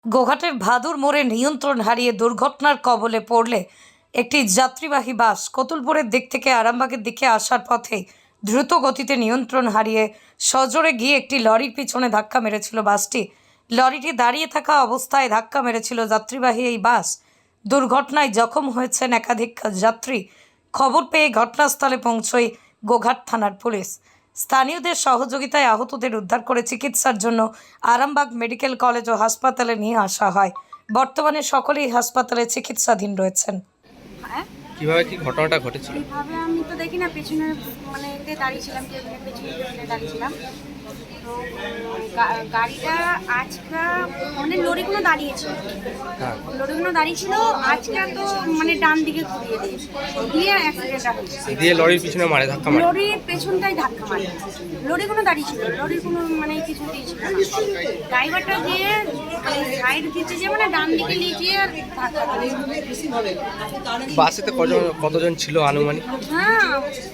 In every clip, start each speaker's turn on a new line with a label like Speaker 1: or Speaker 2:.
Speaker 1: গোঘাটের ভাদুর মোড়ে নিয়ন্ত্রণ হারিয়ে দুর্ঘটনার কবলে পড়লে একটি যাত্রীবাহী বাস কতুলপুরের দিক থেকে আরামবাগের দিকে আসার পথে দ্রুত গতিতে নিয়ন্ত্রণ হারিয়ে সজোরে গিয়ে একটি লরির পিছনে ধাক্কা মেরেছিল বাসটি। লরিটি দাঁড়িয়ে থাকা অবস্থায় ধাক্কা মেরেছিল যাত্রীবাহী এই বাস। দুর্ঘটনায় জখম হয়েছেন একাধিক যাত্রী। খবর পেয়ে ঘটনাস্থলে পৌঁছয় গোঘাট থানার পুলিশ। স্থানীয়দের সহযোগিতায় আহতদের উদ্ধার করে চিকিৎসার জন্য আরামবাগ মেডিকেল কলেজ ও হাসপাতালে নিয়ে আসা হয়। বর্তমানে সকলেই হাসপাতালে চিকিৎসাধীন রয়েছেন।
Speaker 2: কিভাবে কি ঘটনাটা ঘটেছিল?
Speaker 3: এইভাবে আমি তো দেখি না, পেছনে মানে এতে দাঁড়িয়েছিলাম, টেবিলের পেছনে দাঁড়িয়েছিলাম। তো গাড়িটা আজকা মানে লরিগুলো দাঁড়িয়েছিল, লরিগুলো দাঁড়িয়েছিল আজকা তো মানে ডান দিকে ঘুরিয়ে দিয়ে অ্যাক্সিডেন্টটা হয়েছে।
Speaker 2: দিয়ে লরির পিছনে মারে ধাক্কা মারে?
Speaker 3: লরির পেছনটাই ধাক্কা মারে। লরিগুলো দাঁড়িয়েছিল, লরির কোনো মানে কিছু দিয়েছিল না। ড্রাইভারটা গিয়ে সাইড দিতে যে মানে ডান দিকে নিয়ে গিয়ে ধাক্কা মারে।
Speaker 2: বাসেতে কতজন ছিল আনুমানিক?
Speaker 3: হ্যাঁ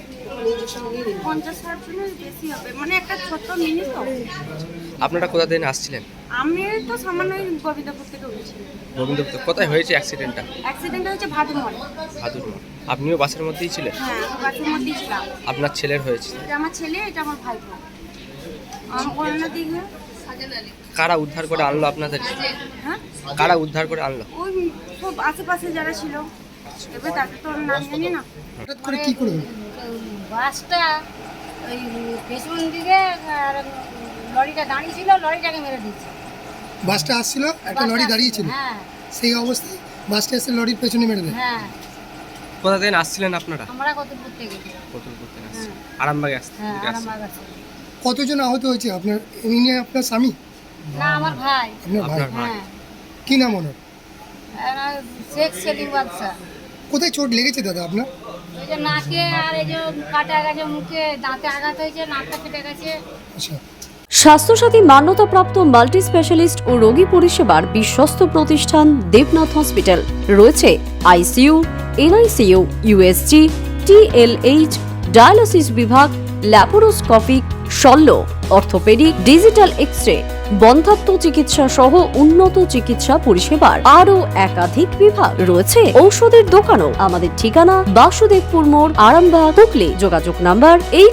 Speaker 3: 50-60 জনের বেশি হবে, মানে একটা ছোট্ট মিনি তো।
Speaker 2: আপনারা কোথা থেকে আসছিলেন?
Speaker 3: আমি তো সামান্য গোবিন্দপুর থেকে উঠেছি।
Speaker 2: গোবিন্দপুর। কোথায় হয়েছে অ্যাক্সিডেন্টটা?
Speaker 3: অ্যাক্সিডেন্ট হয়েছে ভাদুর মোড়ে।
Speaker 2: ভাদুর মোড়। আপনিও বাসের মধ্যেই ছিলেন?
Speaker 3: হ্যাঁ আমি বাসের মধ্যেই ছিলাম।
Speaker 2: আপনার ছেলের হয়েছে?
Speaker 3: এটা আমার ছেলে, এটা আমার ভাই। আমার করোনা দিকে
Speaker 2: কারা উদ্ধার করে আনলো আপনাদের?
Speaker 3: হ্যাঁ
Speaker 2: কারা উদ্ধার করে আনলো?
Speaker 3: ওই সব আশেপাশে যারা ছিল, এবার তাকে তো নাম জানি না।
Speaker 4: হঠাৎ করে কি করে
Speaker 5: বাসটা ওই পেছন দিকে আর লরিটা দাঁড়িয়ে ছিল, লরিটাকে মেরে দিচ্ছে।
Speaker 4: বাসটা আসছিল, একটা লরি দাঁড়িয়ে ছিল,
Speaker 5: হ্যাঁ
Speaker 4: সেই অবস্থায় বাসটা এসে লরির পেছনে মেরে দেয়।
Speaker 5: হ্যাঁ
Speaker 2: কোথা থেকে আসছিলেন আপনারা?
Speaker 5: আমরা কতপুর থেকে।
Speaker 2: কতুলপুর থেকে আসছেন। আরামবাগে
Speaker 5: হ্যাঁ
Speaker 2: আসছেন?
Speaker 5: আমার কাছে।
Speaker 4: কতজন আহত হয়েছে? আপনার এমনি আপনার স্বামী?
Speaker 5: না আমার ভাই।
Speaker 4: আপনার ভাই?
Speaker 2: আপনার ভাই।
Speaker 5: হ্যাঁ
Speaker 4: কি নাম ওনার?
Speaker 5: শেখ সেলিম বাদশা।
Speaker 4: কোথায় চোট লেগেছে দাদা আপনার?
Speaker 5: ওই যে নাকে আর এই যে কাটা গেছে, মুখে দাঁতে আঘাত হয়েছে, নাকটা কেটে গেছে।
Speaker 4: আচ্ছা,
Speaker 6: স্বাস্থ্যসাথী মান্যতাপ্রাপ্ত মাল্টি স্পেশালিস্ট ও রোগী পরিষেবার বিশ্বস্ত প্রতিষ্ঠান দেবনাথ হসপিটাল। রয়েছে ICU, NICU, USG, TLH, dialysis বিভাগ, ল্যাপারোস্কোপিক, শল্য, অর্থোপেডিক, ডিজিটাল এক্স-রে, বন্ধ্যাত্ব চিকিৎসা সহ উন্নত চিকিৎসা পরিষেবার আরও একাধিক বিভাগ রয়েছে। ঔষধের দোকানও। আমাদের ঠিকানা বাসুদেবপুর মোড়, আরামবাগ, হুগলি। যোগাযোগ নাম্বার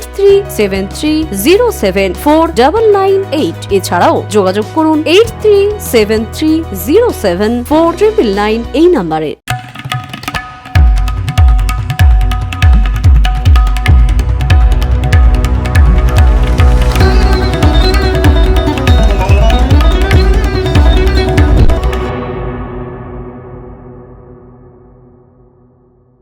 Speaker 6: 8373074998। এছাড়াও যোগাযোগ করুন 8373074999 এই নাম্বারে।